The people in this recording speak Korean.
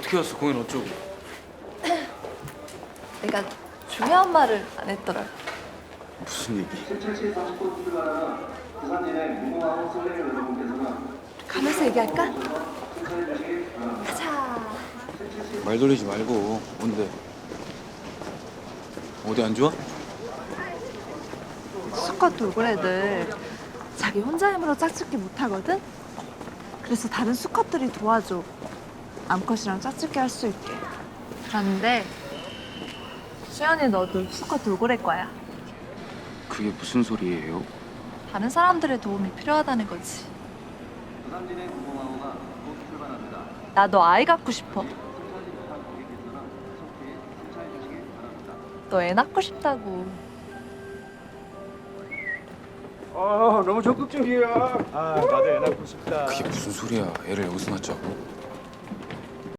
어떻게 왔어? 공연 어쩌고? 내가 중요한 말을 안 했더라. 무슨 얘기? 가면서 얘기할까? 가자. 말 돌리지 말고 뭔데? 어디 안 좋아? 수컷 돌고래들 자기 혼자 힘으로 짝짓기 못하거든? 그래서 다른 수컷들이 도와줘. 암컷이랑 짝짓기 할 수 있게. 그런데 수연이 너도 수컷 돌고래 거야. 그게 무슨 소리예요? 다른 사람들의 도움이 필요하다는 거지. 나도 아이 갖고 싶어. 너 애 낳고 싶다고. 너무 적극적이야. 나도 애 낳고 싶다. 그게 무슨 소리야? 애를 여기서 낳자고?